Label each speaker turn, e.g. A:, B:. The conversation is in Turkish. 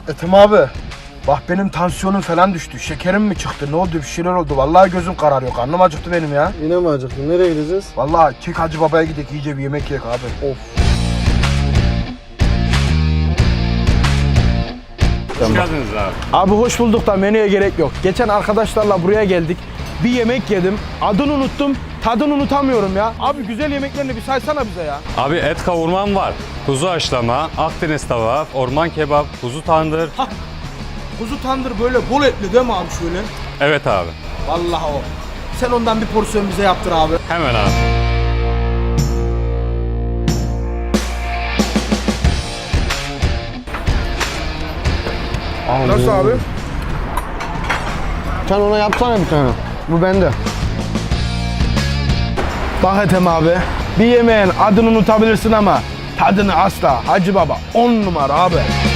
A: Ethem abi. Bak benim tansiyonum falan düştü. Şekerim mi çıktı? Ne oldu? Bir şeyler oldu. Vallahi gözüm kararıyor. Karnım acıktı benim ya.
B: Yine mi acıktın? Nereye gideceğiz?
A: Vallahi Kek Hacı Baba'ya gidelim, iyice bir yemek yiyek abi. Of.
C: Hoş geldiniz abi.
D: Abi hoş bulduk da menüye gerek yok. Geçen arkadaşlarla buraya geldik. Bir yemek yedim. Adını unuttum. Tadını unutamıyorum ya. Abi güzel yemeklerini bir saysana bize ya.
C: Abi et kavurmam var. Kuzu haşlama, Akdeniz tava, orman kebap, kuzu tandır.
D: Kuzu tandır böyle bol etli değil mi abi şöyle?
C: Evet abi.
D: Vallahi o. Sen ondan bir porsiyon bize yaptır abi.
C: Hemen abi.
D: Nasıl abi?
B: Sen ona yapsana bir tane. Bu bende.
D: Bak Ethem abi. Bir yemeğin adını unutabilirsin ama tadını asla. Hacı Baba 10 numara abi.